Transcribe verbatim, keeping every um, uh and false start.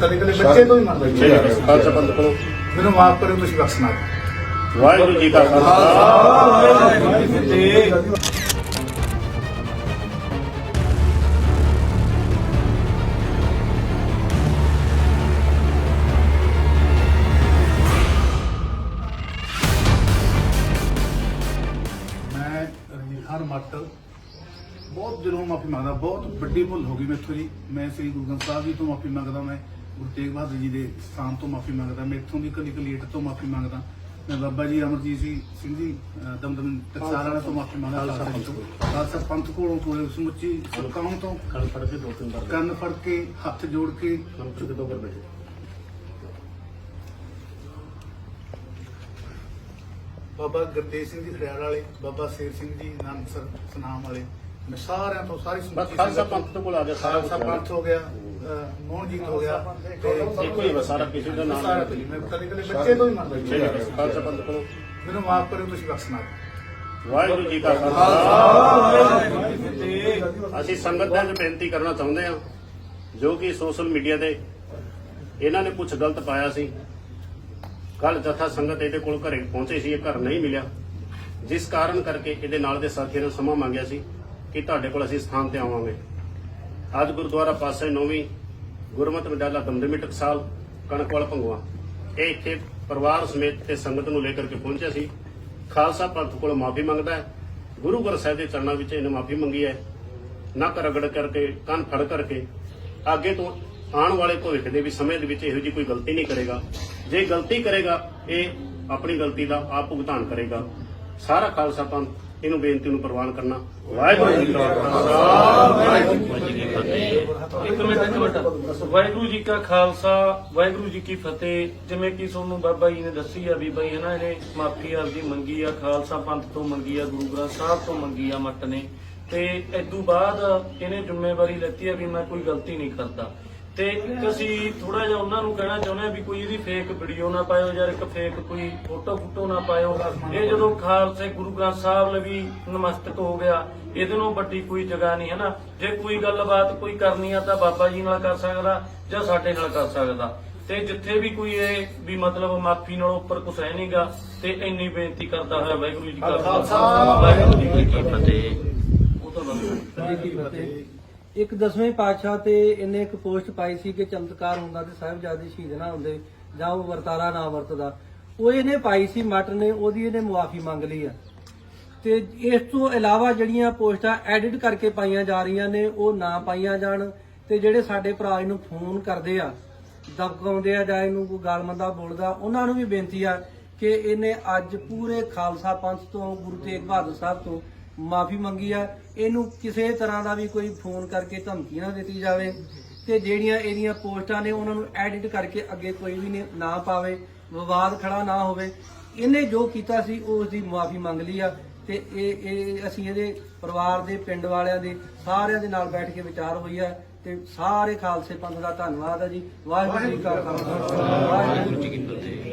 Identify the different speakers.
Speaker 1: कले कले बच्चे तो ही मानता जी
Speaker 2: खालसा पंथ को
Speaker 1: मैंने माफ करो तुझे बख्शना
Speaker 2: वाहिगुरू जी का खालसा
Speaker 1: हर मट बहुत दिलों माफी मांगता बहुत बड़ी भुल हो गई मेथों जी मैं श्री गुरु ग्रंथ साहब जी तो माफी मांगता मैं गुरु तेग बहादुर जी के स्थान तो माफी मांगता मैं इतों की कली कलीट तो माफी मांगता मैं बाबा जी अमरजीत सिंह जी दमदम टकसाल वाले तो माफी मांगता खालसा पंथ को समुची सरकारों तो कन्न फड़ के हथ जोड़ के बाबा गुरतेज सिंह जी खड़ियाल वाले बाबा शेर सिंह जी नानकसर सनाम वाले मैं सारे तो सारी
Speaker 2: खालसा पंथ तो कोल आ गया सारा
Speaker 1: खालसा पंथ हो गया मोहनजीत हो गया
Speaker 2: एक ही सारा किसी का नाम
Speaker 1: मैं कले कले बच्चे तो ही मानता जी
Speaker 2: खालसा पंथ को
Speaker 1: मैंने माफ करो तुझे बख्शना
Speaker 2: वाहिगुरू जी का खालसा ਅਸੀਂ ਸੰਗਤ ਦੇ ਵਿੱਚ ਬੇਨਤੀ ਕਰਨਾ ਚਾਹੁੰਦੇ ਹਾਂ ਜੋ ਕਿ ਸੋਸ਼ਲ ਮੀਡੀਆ ਤੇ ਇਹਨਾਂ ਨੇ ਕੁਝ ਗਲਤ ਪਾਇਆ ਸੀ ਕੱਲ ਜਥਾ ਸੰਗਤ ਇਹਦੇ ਕੋਲ ਘਰੇ ਪਹੁੰਚੇ ਸੀ ਇਹ ਘਰ ਨਹੀਂ ਮਿਲਿਆ ਜਿਸ ਕਾਰਨ ਕਰਕੇ ਇਹਦੇ ਨਾਲ ਦੇ ਸਾਥੀਆਂ ਨੇ ਸਮਾਂ ਮੰਗਿਆ ਸੀ ਕਿ ਤੁਹਾਡੇ ਕੋਲ ਅਸੀਂ ਸਥਾਨ ਤੇ ਆਵਾਂਗੇ ਅੱਜ ਗੁਰਦੁਆਰਾ ਪਾਸੇ ਨੌਵੀਂ ਗੁਰਮਤਿ ਵਿਦਿਆਲਾ ਦਮਦਮੀ ਟਕਸਾਲ ਕਣਕਵਾਲ ਭੰਗਵਾ ਇਹ ਇੱਥੇ ਪਰਿਵਾਰ ਸਮੇਤ ਤੇ ਸੰਗਤ ਨੂੰ ਲੈ ਕਰਕੇ ਪਹੁੰਚਿਆ ਸੀ ਖਾਲਸਾ ਪੰਥ ਕੋਲ ਮਾਫੀ ਮੰਗਦਾ ਹੈ ਗੁਰੂ ਗ੍ਰੰਥ ਸਾਹਿਬ ਦੇ ਚਰਨਾਂ ਵਿੱਚ ਇਹਨੇ ਮਾਫੀ ਮੰਗੀ ਹੈ ਨੱਕ ਰਗੜ ਕਰਕੇ ਕੰਨ ਫੜ ਕਰਕੇ ਅੱਗੇ ਤੋਂ ਆਉਣ ਵਾਲੇ ਭਵਿੱਖ ਦੇ ਵੀ ਸਮੇਂ ਦੇ ਵਿੱਚ ਇਹੋ ਜਿਹੀ ਕੋਈ ਗਲਤੀ ਨਹੀਂ ਕਰੇਗਾ ਜੇ ਗਲਤੀ ਕਰੇਗਾ ਇਹ ਆਪਣੀ ਗਲਤੀ ਦਾ ਆਪ ਭੁਗਤਾਨ ਕਰੇਗਾ ਸਾਰਾ ਖਾਲਸਾ ਪੰਥ ਇਹਨੂੰ ਬੇਨਤੀ ਨੂੰ ਪ੍ਰਵਾਨ ਕਰਨਾ ਵਾਹਿਗੁਰੂ ਜੀ ਕਾ ਖਾਲਸਾ ਵਾਹਿਗੁਰੂ ਜੀ ਕੀ ਫਤਿਹ।
Speaker 3: ਇੱਕ ਮਿੰਟ ਇੱਕ ਮਿੰਟ ਵਾਹਿਗੁਰੂ ਜੀ ਕਾ ਖਾਲਸਾ ਵਾਹਿਗੁਰੂ ਜੀ ਕੀ ਫਤਿਹ। ਜਿਵੇਂ ਕਿ ਤੁਹਾਨੂੰ ਬਾਬਾ ਜੀ ਨੇ ਦੱਸੀ ਆ ਵੀ ਬਈ ਹਨਾ ਇਹਨੇ ਮਾਫੀ ਆਪਦੀ ਮੰਗੀ ਆ ਖਾਲਸਾ ਪੰਥ ਤੋਂ ਮੰਗੀ ਆ ਗੁਰੂ ਗ੍ਰੰਥ ਸਾਹਿਬ ਤੋਂ ਮੰਗੀ ਆ ਮੱਟ ਨੇ ਤੇ ਇਦੋਂ ਬਾਅਦ ਇਹਨੇ ਜ਼ਿੰਮੇਵਾਰੀ ਲੈਤੀ ਆ ਵੀ ਮੈਂ ਕੋਈ ਗਲਤੀ ਨਹੀਂ ਕਰਦਾ ਤੇ ਅਸੀਂ ਥੋੜਾ ਜਿਹਾ ਉਹਨਾਂ ਨੂੰ ਕਹਿਣਾ ਚਾਹੁੰਦੇ ਆ ਵੀ ਕੋਈ ਇਹਦੀ ਫੇਕ ਵੀਡੀਓ ਨਾ ਪਾਇਓ ਜਾਂ ਇੱਕ ਫੇਕ ਕੋਈ ਫੋਟੋ ਫੋਟੋ ਨਾ ਪਾਇਓ ਇਹ ਜਦੋਂ ਖਾਲਸੇ ਗੁਰੂ ਗ੍ਰੰਥ ਸਾਹਿਬ ਲਈ ਨਮਸਤਕ ਹੋ ਗਿਆ ਇਹਦੇ ਨੂੰ ਵੱਡੀ ਕੋਈ ਜਗ੍ਹਾ ਨਹੀਂ ਹੈ ਨਾ ਜੇ ਕੋਈ ਗੱਲਬਾਤ ਕੋਈ ਕਰਨੀ ਆ ਤਾਂ ਬਾਬਾ ਜੀ ਨਾਲ ਕਰ ਸਕਦਾ ਜਾਂ ਸਾਡੇ ਨਾਲ ਕਰ ਸਕਦਾ ਤੇ ਜਿੱਥੇ ਵੀ ਕੋਈ ਇਹ ਵੀ ਮਤਲਬ ਮਾਫੀ ਨਾਲੋਂ ਉੱਪਰ ਕੁਛ ਹੈ ਨਹੀਂਗਾ ਤੇ ਇੰਨੀ ਬੇਨਤੀ ਕਰਦਾ ਹੋਇਆ ਵਾਹਿਗੁਰੂ ਜੀ ਕਾ ਖਾਲਸਾ ਵਾਹਿਗੁਰੂ ਜੀ ਕੀ ਫਤਿਹ। ਉਹ ਤਾਂ
Speaker 4: ਇੱਕ ਦਸਵੇਂ ਪਾਤਸ਼ਾਹ ਤੇ ਇਹਨੇ ਇੱਕ ਪੋਸਟ ਪਾਈ ਸੀ ਕਿ ਚਮਤਕਾਰ ਹੁੰਦਾ ਤੇ ਸਾਹਿਬਜ਼ਾਦੇ ਸ਼ਹੀਦ ਨਾ ਹੁੰਦੇ ਜਾਂ ਉਹ ਵਰਤਾਰਾ ਨਾ ਵਰਤਦਾ ਉਹ ਇਹਨੇ ਪਾਈ ਸੀ ਮੱਟ ਨੇ ਉਹਦੀ ਇਹਨੇ ਮੁਆਫੀ ਮੰਗ ਲਈ ਆ ਤੇ ਇਸ ਤੋਂ ਇਲਾਵਾ ਜਿਹੜੀਆਂ ਪੋਸਟਾਂ ਐਡਿਟ ਕਰਕੇ ਪਾਈਆਂ ਜਾ ਰਹੀਆਂ ਨੇ ਉਹ ਨਾ ਪਾਈਆਂ ਜਾਣ ਤੇ ਜਿਹੜੇ ਸਾਡੇ ਭਰਾ ਇਹਨੂੰ ਫੋਨ ਕਰਦੇ ਆ ਦਬਕਾਉਂਦੇ ਆ ਜਾਂ ਇਹਨੂੰ ਕੋਈ ਗਾਲਮੰਦਾ ਬੋਲਦਾ ਉਹਨਾਂ ਨੂੰ ਵੀ ਬੇਨਤੀ ਆ ਕਿ ਇਹਨੇ ਅੱਜ ਪੂਰੇ ਖਾਲਸਾ ਪੰਥ ਤੋਂ ਗੁਰੂ ਤੇਗ ਬਹਾਦਰ ਸਾਹਿਬ ਤੋਂ ਮਾਫੀ ਮੰਗੀ ਆ ਇਹਨੂੰ ਕਿਸੇ ਤਰ੍ਹਾਂ ਦਾ ਵੀ ਕੋਈ ਫੋਨ ਕਰਕੇ ਧਮਕੀ ਨਾ ਦਿੱਤੀ ਜਾਵੇ ਤੇ ਜਿਹੜੀਆਂ ਇਹਦੀਆਂ ਪੋਸਟਾਂ ਨੇ ਉਹਨਾਂ ਨੂੰ ਐਡਿਟ ਕਰਕੇ ਅੱਗੇ ਕੋਈ ਵੀ ਨਾ ਪਾਵੇ ਵਿਵਾਦ ਖੜਾ ਨਾ ਹੋਵੇ ਇਹਨੇ ਜੋ ਕੀਤਾ ਸੀ ਉਸ ਦੀ ਮਾਫੀ ਮੰਗ ਲਈ ਆ ਤੇ ਇਹ ਇਹ ਅਸੀਂ ਇਹਦੇ ਪਰਿਵਾਰ ਦੇ ਪਿੰਡ ਵਾਲਿਆਂ ਦੇ ਸਾਰਿਆਂ ਦੇ ਨਾਲ ਬੈਠ ਕੇ ਵਿਚਾਰ ਹੋਈ ਆ ਤੇ ਸਾਰੇ ਖਾਲਸੇ ਪੰਥ ਦਾ ਧੰਨਵਾਦ ਆ ਜੀ ਵਾਹਿਗੁਰੂ ਜੀ ਕਾ ਖਾਲਸਾ ਵਾਹਿਗੁਰੂ ਜੀ ਕੀ ਫਤਿਹ।